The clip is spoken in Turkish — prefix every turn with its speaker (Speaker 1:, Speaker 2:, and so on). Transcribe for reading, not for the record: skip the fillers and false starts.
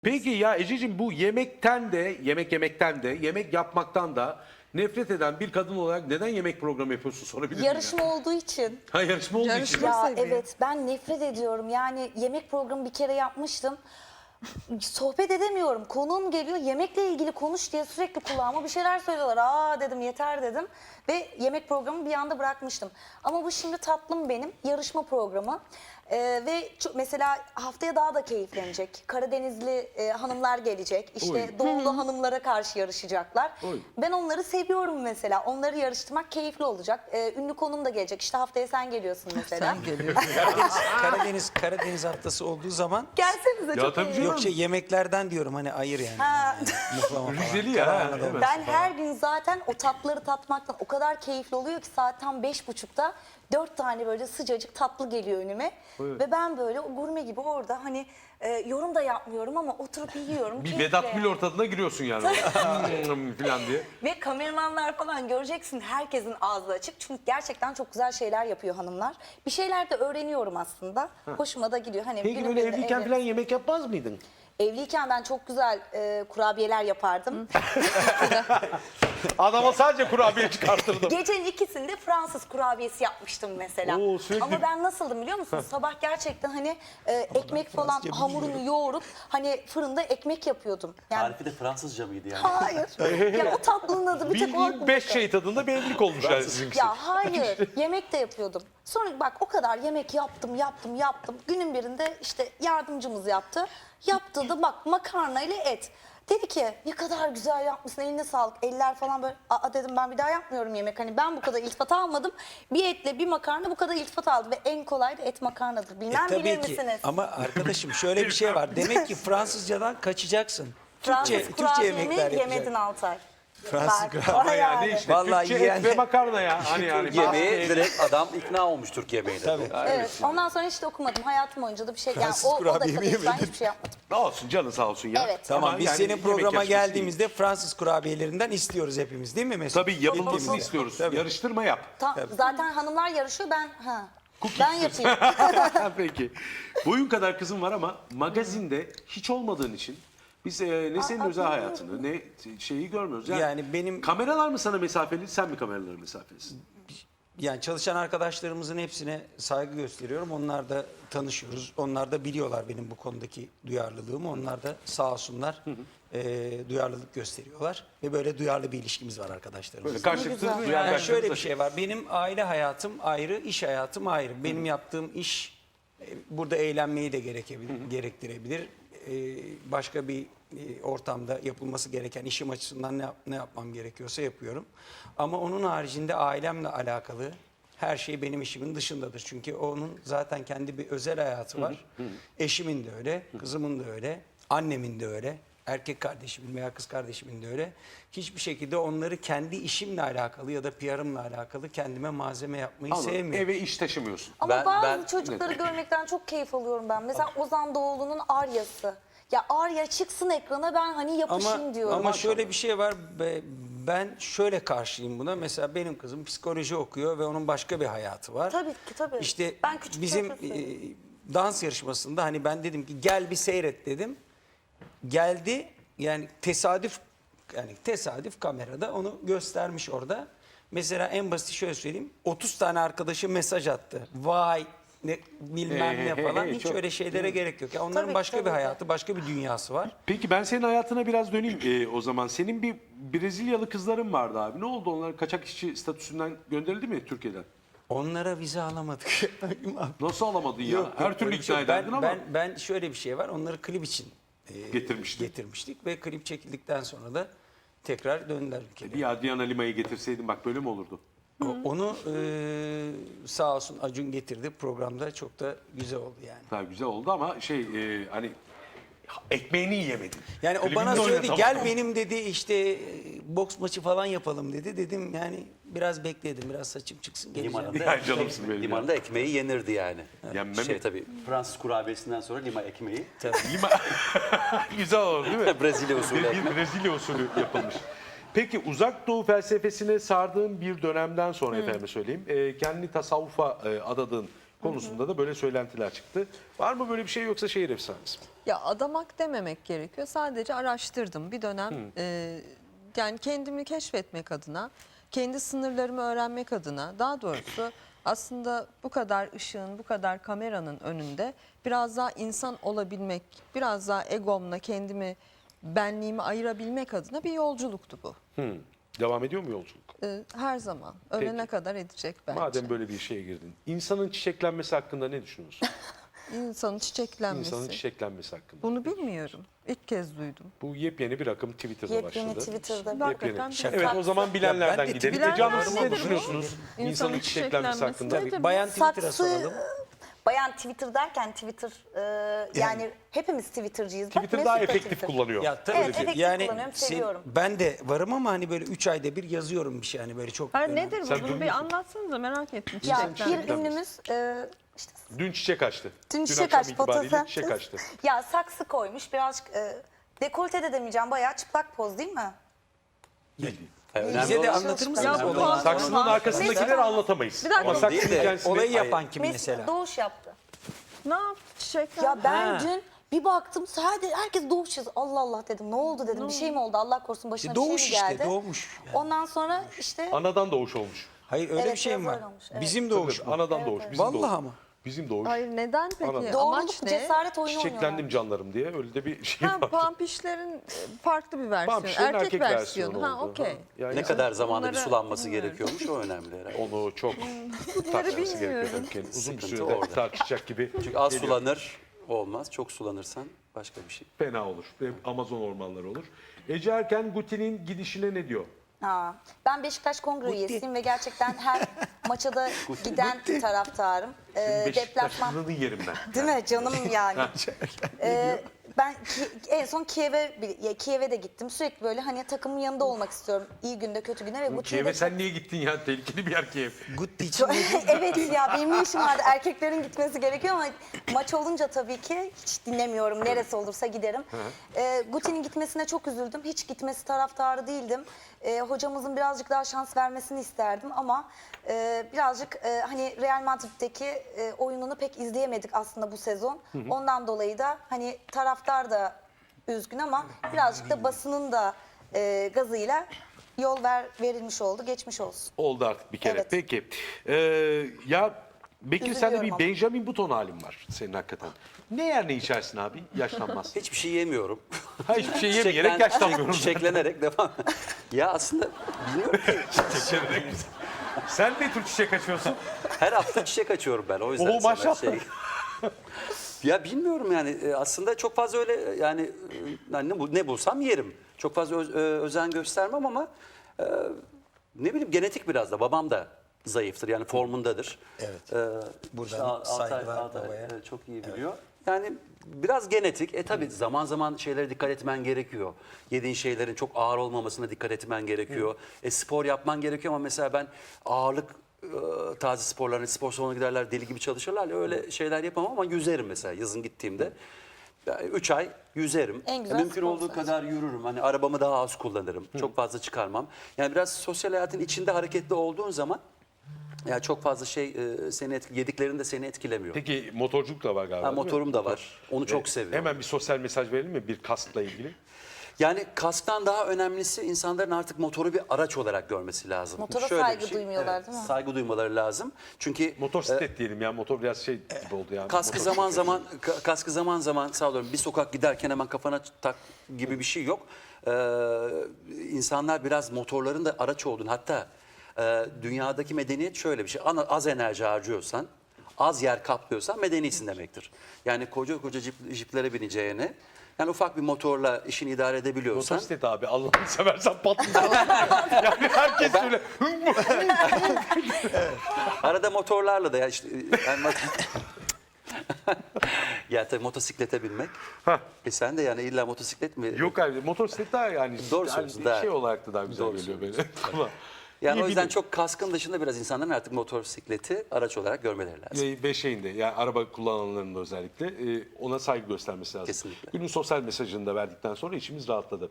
Speaker 1: Peki ya Ececiğim, bu yemekten de, yemekten de, yemek yapmaktan da nefret eden bir kadın olarak neden yemek programı yapıyorsun sorabilir miyim?
Speaker 2: Yarışma olduğu için.
Speaker 1: Ha, yarışma olduğu için.
Speaker 3: Yarışma.
Speaker 2: Ya
Speaker 3: seviyor.
Speaker 2: evet, ben nefret ediyorum. Yani yemek programı bir kere yapmıştım. Sohbet edemiyorum. Konuğum geliyor, yemekle ilgili konuş diye sürekli kulağıma bir şeyler söylüyorlar. Aa dedim, yeter dedim. Ve yemek programı bir anda bırakmıştım. Ama bu şimdi tatlım benim yarışma programı. Ve mesela haftaya daha da keyiflenecek. Karadenizli hanımlar gelecek. İşte
Speaker 1: Oy.
Speaker 2: doğulu hanımlara karşı yarışacaklar.
Speaker 1: Oy.
Speaker 2: Ben onları seviyorum mesela. Onları yarıştırmak keyifli olacak. Ünlü konum da gelecek. İşte haftaya sen geliyorsun mesela.
Speaker 3: Sen geliyorsun.
Speaker 4: Karadeniz haftası olduğu zaman
Speaker 2: Gelsenize,
Speaker 1: Ya
Speaker 2: çok
Speaker 1: tabii
Speaker 2: iyi.
Speaker 1: canım.
Speaker 4: yok yemeklerden diyorum hani ayır yani.
Speaker 2: Ha.
Speaker 4: Muhlama falan.
Speaker 1: Rizeli ya,
Speaker 4: Karalahana
Speaker 1: değil mi?
Speaker 4: dolması
Speaker 2: Ben
Speaker 4: falan.
Speaker 2: her gün zaten o tatlıları tatmaktan o kadar keyifli oluyor ki saat tam 5.30'da 4 tane böyle sıcacık tatlı geliyor önüme.
Speaker 1: Evet.
Speaker 2: Ve ben böyle o gurme gibi orada hani yorum da yapmıyorum ama oturup yiyorum.
Speaker 1: Bir
Speaker 2: keyifle.
Speaker 1: Vedat Milor tadına giriyorsun yani. falan diye.
Speaker 2: Ve kameramanlar falan göreceksin, herkesin ağzı açık. Çünkü gerçekten çok güzel şeyler yapıyor hanımlar. Bir şeyler de öğreniyorum aslında. Hoşuma da gidiyor. Hani
Speaker 1: Peki
Speaker 2: günün
Speaker 1: böyle
Speaker 2: birinde
Speaker 1: evliyken
Speaker 2: evet.
Speaker 1: falan yemek yapmaz mıydın?
Speaker 2: Evliyken ben çok güzel kurabiyeler yapardım.
Speaker 1: Adama sadece kurabiye çıkartırdım.
Speaker 2: Gecenin ikisinde Fransız kurabiyesi yapmıştım mesela.
Speaker 1: Oo, sürekli-
Speaker 2: Ama ben nasıldım biliyor musun? Sabah gerçekten hani ekmek falan hamurunu yoğurup hani fırında ekmek yapıyordum. Yani
Speaker 5: Tarifi de Fransızca mıydı yani?
Speaker 2: hayır. Ya o tatlının adı bir tek o
Speaker 1: Bildiğin
Speaker 2: aklımda
Speaker 1: 5
Speaker 2: kaldı.
Speaker 1: şey tadında bir evlilik olmuş yani sizinkisi.
Speaker 2: Ya hayır, yemek de yapıyordum. Sonra bak o kadar yemek yaptım. Günün birinde işte yardımcımız yaptı. Yaptığı da bak makarna ile et. Dedi ki ne kadar güzel yapmışsın, eline sağlık. Eller falan böyle. Aa dedim, ben bir daha yapmıyorum yemek. Hani ben bu kadar iltifat almadım. Bir etle bir makarna bu kadar iltifat aldı. Ve en kolay da et makarnadır. Bilmem bilir
Speaker 4: Tabii ki
Speaker 2: misiniz?
Speaker 4: ama arkadaşım şöyle bir şey var. Demek ki Fransızcadan kaçacaksın.
Speaker 2: Fransız
Speaker 4: Türkçe
Speaker 2: kurabiyemi
Speaker 4: yemekler
Speaker 2: yemedin
Speaker 4: yapacaksın.
Speaker 2: Altay.
Speaker 4: Fransız
Speaker 2: Bak,
Speaker 4: kurabiye.
Speaker 1: Ama yani
Speaker 2: yani.
Speaker 1: işte
Speaker 4: Vallahi
Speaker 1: Türkçe et
Speaker 4: yiyen-
Speaker 1: ve makarna ya. Hani yani.
Speaker 5: Yemeğe direkt adam ikna olmuş Türk yemeğine.
Speaker 4: Tabii.
Speaker 2: Evet. Ondan sonra hiç de okumadım. Hayatım boyunca da bir şey. Yani
Speaker 4: Fransız
Speaker 2: o
Speaker 4: kurabiye mi
Speaker 2: dakikada ben
Speaker 4: yemedin?
Speaker 2: hiçbir şey yapmadım.
Speaker 1: Ne olsun, canın sağ olsun ya.
Speaker 2: Evet.
Speaker 4: Tamam
Speaker 1: Ama
Speaker 4: biz
Speaker 1: yani
Speaker 4: senin
Speaker 1: yemek
Speaker 4: programa
Speaker 1: yarışması değil.
Speaker 4: geldiğimizde Fransız kurabiyelerinden istiyoruz hepimiz değil mi Mesut?
Speaker 1: Tabii yapılmasını
Speaker 4: Gittiğimizde.
Speaker 1: istiyoruz.
Speaker 4: Tabii.
Speaker 1: Yarıştırma yap.
Speaker 2: Zaten hanımlar yarışıyor, ben yapayım.
Speaker 1: Peki. Boyun kadar kızım var ama magazinde hiç olmadığın için biz ne senin özel hayatını ne şeyi görmüyoruz.
Speaker 4: Yani benim-
Speaker 1: Kameralar mı sana mesafeli, sen mi kameralara mesafelisin?
Speaker 4: Yani çalışan arkadaşlarımızın hepsine saygı gösteriyorum. Onlar da tanışıyoruz. Onlar da biliyorlar benim bu konudaki duyarlılığımı. Onlar da sağ olsunlar duyarlılık gösteriyorlar. Ve böyle duyarlı bir ilişkimiz var arkadaşlarımızla.
Speaker 1: Böyle karşılıklı
Speaker 2: güzel.
Speaker 1: duyan
Speaker 4: Yani
Speaker 1: arkadaşlarımız
Speaker 4: şöyle
Speaker 1: da-
Speaker 4: bir şey var. Benim aile hayatım ayrı, iş hayatım ayrı. Benim yaptığım iş burada eğlenmeyi de gerektirebilir. Başka bir ortamda yapılması gereken işim açısından ne yapmam gerekiyorsa yapıyorum. Ama onun haricinde ailemle alakalı her şey benim işimin dışındadır. Çünkü onun zaten kendi bir özel hayatı var. Eşimin de öyle, kızımın da öyle, annemin de öyle. Erkek kardeşimin veya kız kardeşimin de öyle. Hiçbir şekilde onları kendi işimle alakalı ya da PR'ımla alakalı kendime malzeme yapmayı
Speaker 1: Anladım.
Speaker 4: sevmiyorum.
Speaker 1: Eve iş taşımıyorsun.
Speaker 2: Ama bazı
Speaker 5: ben-
Speaker 2: çocukları görmekten çok keyif alıyorum ben. Mesela Ozan Doğulu'nun Arya'sı. Ya Arya çıksın ekrana, ben hani yapışayım diyorum.
Speaker 4: Ama şöyle bir şey var. Ben şöyle karşıyım buna. Mesela benim kızım psikoloji okuyor ve onun başka bir hayatı var.
Speaker 2: Tabii ki, tabii.
Speaker 4: İşte
Speaker 2: Ben küçük
Speaker 4: bizim
Speaker 2: profesörüm.
Speaker 4: dans yarışmasında hani ben dedim ki gel bir seyret dedim. Geldi yani tesadüf kamerada onu göstermiş orada. Mesela en basit şöyle söyleyeyim. 30 tane arkadaşı mesaj attı. Vay ne bilmem ne falan. Hiç
Speaker 1: çok-
Speaker 4: öyle şeylere gerek yok. Ya onların
Speaker 2: Tabii,
Speaker 4: başka
Speaker 2: tabii
Speaker 4: bir
Speaker 2: ki.
Speaker 4: hayatı, başka bir dünyası var.
Speaker 1: Peki ben senin hayatına biraz döneyim o zaman. Senin bir Brezilyalı kızların vardı abi. Ne oldu? Onlar kaçak işçi statüsünden gönderildi mi Türkiye'den?
Speaker 4: Onlara vize alamadık.
Speaker 1: Nasıl alamadın ya? Her türlü
Speaker 4: öyle bir şey
Speaker 1: ikna
Speaker 4: yok.
Speaker 1: ederdin ama.
Speaker 4: Ben şöyle bir şey var. Onları klip için
Speaker 1: Getirmiştin.
Speaker 4: getirmiştik ve klip çekildikten sonra da tekrar döndüler ülkeye.
Speaker 1: Bir Adriana Lima'yı getirseydin bak böyle mi olurdu?
Speaker 4: Onu sağ olsun Acun getirdi. Programda çok da güzel oldu yani.
Speaker 1: Daha güzel oldu ama hani ekmeğini yiyemedin.
Speaker 4: Yani o
Speaker 1: Klibinde
Speaker 4: bana söyledi
Speaker 1: oynatamadım.
Speaker 4: gel benim dedi işte boks maçı falan yapalım dedi. Dedim yani biraz bekledim biraz saçım çıksın geleceğim.
Speaker 5: Limanında,
Speaker 1: Ya canımsın benim ya.
Speaker 5: limanında ekmeği yenirdi yani.
Speaker 1: Yenmem mi?
Speaker 5: Tabii Fransız kurabiyesinden sonra lima ekmeği.
Speaker 1: Lima... güzel olur değil mi?
Speaker 5: Brezilya usulü
Speaker 1: Bir
Speaker 5: ekmek.
Speaker 1: Brezilya usulü yapılmış. Peki uzak doğu felsefesine sardığın bir dönemden sonra efendim söyleyeyim. Kendini tasavvufa adadığın konusunda da böyle söylentiler çıktı. Var mı böyle bir şey yoksa şehir efsanesi mi?
Speaker 3: Ya adamak dememek gerekiyor. Sadece araştırdım bir dönem. Yani kendimi keşfetmek adına, kendi sınırlarımı öğrenmek adına, daha doğrusu aslında bu kadar ışığın, bu kadar kameranın önünde biraz daha insan olabilmek, biraz daha egomla kendimi, benliğimi ayırabilmek adına bir yolculuktu bu.
Speaker 1: Devam ediyor mu yolculuk?
Speaker 3: Her zaman. Ölene
Speaker 1: Peki.
Speaker 3: kadar edecek bence.
Speaker 1: Madem böyle bir şeye girdin. İnsanın çiçeklenmesi hakkında ne düşünüyorsun?
Speaker 3: İnsanın çiçeklenmesi.
Speaker 1: İnsanın çiçeklenmesi hakkında.
Speaker 3: Bunu bilmiyorum. İlk kez duydum.
Speaker 1: Bu yepyeni bir akım Twitter'da
Speaker 2: Yepyeni
Speaker 1: başladı.
Speaker 2: Twitter'da.
Speaker 3: Hakikaten
Speaker 1: Yepyeni.
Speaker 3: bir
Speaker 1: Evet o zaman bilenlerden
Speaker 4: ben de
Speaker 1: gidelim.
Speaker 3: Bilenler
Speaker 1: Canım siz ne
Speaker 3: nedir bu?
Speaker 1: düşünüyorsunuz? İnsanın
Speaker 3: İnsanın
Speaker 1: çiçeklenmesi
Speaker 3: çiçeklenmesi
Speaker 1: hakkında.
Speaker 3: nedir?
Speaker 4: Tabii, bayan Twitter'a
Speaker 2: Saksı,
Speaker 4: soralım.
Speaker 2: bayan Twitter derken Twitter yani hepimiz Twitter'cıyız. Bak,
Speaker 1: Twitter daha
Speaker 2: Mesut da
Speaker 1: efektif
Speaker 2: Twitter.
Speaker 1: kullanıyor.
Speaker 4: Ya tabii
Speaker 2: Evet,
Speaker 4: ki.
Speaker 2: efektif
Speaker 4: Yani
Speaker 2: kullanıyorum, seviyorum.
Speaker 4: ben de varım ama hani böyle 3 ayda bir yazıyorum bir şey hani böyle çok.
Speaker 3: Hayır
Speaker 4: önemli.
Speaker 3: nedir
Speaker 1: Sen
Speaker 3: bu? Bunu bir
Speaker 1: durmuyorsun.
Speaker 3: anlatsanıza merak ettim.
Speaker 2: Ya
Speaker 3: Çiçeklenmesi.
Speaker 2: bir ünlümüz işte
Speaker 1: Dün çiçek açtı.
Speaker 2: dün çiçek
Speaker 1: akşam
Speaker 2: açtı
Speaker 1: itibariyle
Speaker 2: fotoğraf.
Speaker 1: çiçek açtı.
Speaker 2: Ya saksı koymuş birazcık dekolte de demeyeceğim bayağı çıplak poz değil mi?
Speaker 1: Bildiğin.
Speaker 5: Önemli
Speaker 4: Bize de
Speaker 5: olan-
Speaker 4: anlatır mısınız
Speaker 3: Ya bu
Speaker 4: olayı?
Speaker 3: puan-
Speaker 1: Saksının
Speaker 3: Neyse.
Speaker 1: arkasındakileri anlatamayız.
Speaker 3: Bir dakika.
Speaker 1: Ama
Speaker 3: Onun
Speaker 1: saksının
Speaker 5: değil de,
Speaker 1: kendisini...
Speaker 4: Olayı yapan kim
Speaker 2: Mesut
Speaker 4: mesela?
Speaker 2: Doğuş yaptı.
Speaker 3: Ne yaptı çiçekler?
Speaker 2: Ya ben
Speaker 4: Ha.
Speaker 2: dün bir baktım sadece herkes Doğuş yazıyor. Allah Allah dedim ne oldu dedim bir şey mi oldu Allah korusun başına bir
Speaker 4: Doğuş
Speaker 2: şey mi geldi?
Speaker 4: işte doğmuş. Yani.
Speaker 2: Ondan sonra işte
Speaker 1: Anadan doğuş olmuş.
Speaker 4: Hayır öyle
Speaker 2: Evet,
Speaker 4: bir şey mi
Speaker 2: biraz
Speaker 4: var?
Speaker 2: öyle olmuş, evet.
Speaker 4: Bizim doğuş
Speaker 1: Tabii,
Speaker 4: mu?
Speaker 1: anadan doğuş. Bizim
Speaker 4: Vallahi
Speaker 1: doğuş.
Speaker 4: ama.
Speaker 1: Bizim doğuş.
Speaker 3: Hayır neden peki?
Speaker 1: Anladım.
Speaker 2: doğruluk
Speaker 3: Amaç ne?
Speaker 2: cesaret oyunu
Speaker 1: Çiçeklendim
Speaker 2: oynuyorlar.
Speaker 1: canlarım diye öyle de bir şey
Speaker 3: Ha,
Speaker 1: var.
Speaker 3: pampişlerin farklı bir versiyonu.
Speaker 1: Pampişlerin
Speaker 3: Erkek, versiyonu. Ha
Speaker 1: oldu.
Speaker 3: okey.
Speaker 1: Yani
Speaker 5: Ne kadar zamanda bir
Speaker 3: Bunlara
Speaker 5: sulanması
Speaker 3: bilmiyorum.
Speaker 5: gerekiyormuş o önemli herhalde.
Speaker 1: onu çok tartışması gerekiyor.
Speaker 3: bilmiyorum.
Speaker 1: tabii ki. Uzun bir
Speaker 5: Sıkıntı
Speaker 1: sürede
Speaker 5: orada.
Speaker 1: tartışacak gibi
Speaker 5: Çünkü az
Speaker 1: geliyor.
Speaker 5: sulanır olmaz. Çok sulanırsan başka bir şey.
Speaker 1: Fena olur. Amazon ormanları olur. Ece Erken Guti'nin gidişine ne diyor?
Speaker 2: Ha, ben Beşiktaş Kongre üyesiyim ve gerçekten her maça da giden taraftarım.
Speaker 1: Beşiktaş
Speaker 2: Deplasman
Speaker 1: kızını yerim ben.
Speaker 2: değil mi canım yani. Ben en son Kiev'e de gittim. Sürekli böyle hani takımın yanında olmak istiyorum. İyi günde kötü günde ve bu
Speaker 1: Kiev'e sen niye gittin ya? Tehlikeli bir yer Kiev.
Speaker 4: Gutti için
Speaker 2: Evet ya benim ne işim vardı. Erkeklerin gitmesi gerekiyor ama maç olunca tabii ki hiç dinlemiyorum. Neresi olursa giderim. Guti'nin gitmesine çok üzüldüm. Hiç gitmesi taraftarı değildim. Hocamızın birazcık daha şans vermesini isterdim ama birazcık hani Real Madrid'deki oyununu pek izleyemedik aslında bu sezon. Ondan dolayı da hani taraftar da üzgün ama birazcık da basının da gazıyla yol verilmiş oldu. Geçmiş olsun.
Speaker 1: Oldu artık bir kere.
Speaker 2: Evet.
Speaker 1: Peki. Ya Bekir sende
Speaker 2: Üzülüyorum
Speaker 1: bir
Speaker 2: ama.
Speaker 1: Benjamin Button halin var senin hakikaten. Ne yer ne içersin abi? Yaşlanmaz.
Speaker 5: Hiçbir şey yemiyorum.
Speaker 1: Ha, hiçbir şey yemeyerek yaşlanmıyorum.
Speaker 5: Çiçeklenerek devam. Ya aslında bilmiyorum ki.
Speaker 1: Çiçeklenerek. Sen ne tür çiçek açıyorsun?
Speaker 5: Her hafta çiçek açıyorum ben. O yüzden
Speaker 1: Oo,
Speaker 5: sana
Speaker 1: maşallah.
Speaker 5: Ya bilmiyorum yani aslında çok fazla öyle yani ne bulsam yerim. Çok fazla özen göstermem ama ne bileyim genetik biraz da. Babam da zayıftır yani formundadır.
Speaker 4: Evet. Buradan
Speaker 5: işte Altay
Speaker 4: saygılar babaya.
Speaker 5: çok iyi biliyor. Yani biraz genetik. Tabii zaman zaman şeylere dikkat etmen gerekiyor. Yediğin şeylerin çok ağır olmamasına dikkat etmen gerekiyor. Spor yapman gerekiyor ama mesela ben ağırlık taze sporlarına, spor salonuna giderler deli gibi çalışırlar. Öyle şeyler yapamam ama yüzerim mesela yazın gittiğimde. 3 ay yüzerim.
Speaker 2: En güzel
Speaker 5: Mümkün
Speaker 2: spor
Speaker 5: olduğu
Speaker 2: zaten.
Speaker 5: kadar yürürüm. Hani arabamı daha az kullanırım. Çok fazla çıkarmam. Yani biraz sosyal hayatın içinde hareketli olduğun zaman yani çok fazla şey yediklerin de seni etkilemiyor.
Speaker 1: Peki motorculuk da var galiba.
Speaker 5: Ha,
Speaker 1: değil mi?
Speaker 5: motorum da var. Onu çok
Speaker 1: Evet.
Speaker 5: seviyorum.
Speaker 1: Hemen bir sosyal mesaj verelim mi bir kaskla ilgili?
Speaker 5: Yani kasktan daha önemlisi insanların artık motoru bir araç olarak görmesi lazım.
Speaker 2: Motora
Speaker 5: Şöyle
Speaker 2: saygı
Speaker 5: bir şey,
Speaker 2: duymuyorlar, değil mi?
Speaker 5: Saygı duymaları lazım. Çünkü
Speaker 1: Motosiklet diyelim ya. Motor biraz şey gibi oldu yani.
Speaker 5: kaskı
Speaker 1: Motosiklet.
Speaker 5: zaman zaman sağ olun bir sokak giderken hemen kafana tak gibi bir şey yok. İnsanlar biraz motorların da araç olduğunu hatta dünyadaki medeniyet şöyle bir şey. Az enerji harcıyorsan, az yer kaplıyorsan medenisin demektir. Yani koca jiplere bineceğine yani ufak bir motorla işini idare edebiliyorsan
Speaker 1: Motosiklet abi Allah'ını seversen patlayacak. Yani herkes öyle.
Speaker 5: arada motorlarla da ya işte yani ya tabii motosiklete binmek. Sen de yani illa motosiklet mi?
Speaker 1: Yok abi motosiklet daha yani.
Speaker 5: Doğru
Speaker 1: yani
Speaker 5: söylüyorsun, daha-
Speaker 1: şey olarak da daha güzel
Speaker 5: Doğru
Speaker 1: geliyor böyle. Tamam.
Speaker 5: Yani
Speaker 1: İyi
Speaker 5: o yüzden
Speaker 1: bilin.
Speaker 5: çok kaskın dışında biraz insanların artık motosikleti araç olarak görmeleri lazım.
Speaker 1: Ve şeyinde yani araba kullananların da özellikle ona saygı göstermesi lazım.
Speaker 5: Kesinlikle.
Speaker 1: Günün sosyal mesajını da verdikten sonra içimiz rahatladı.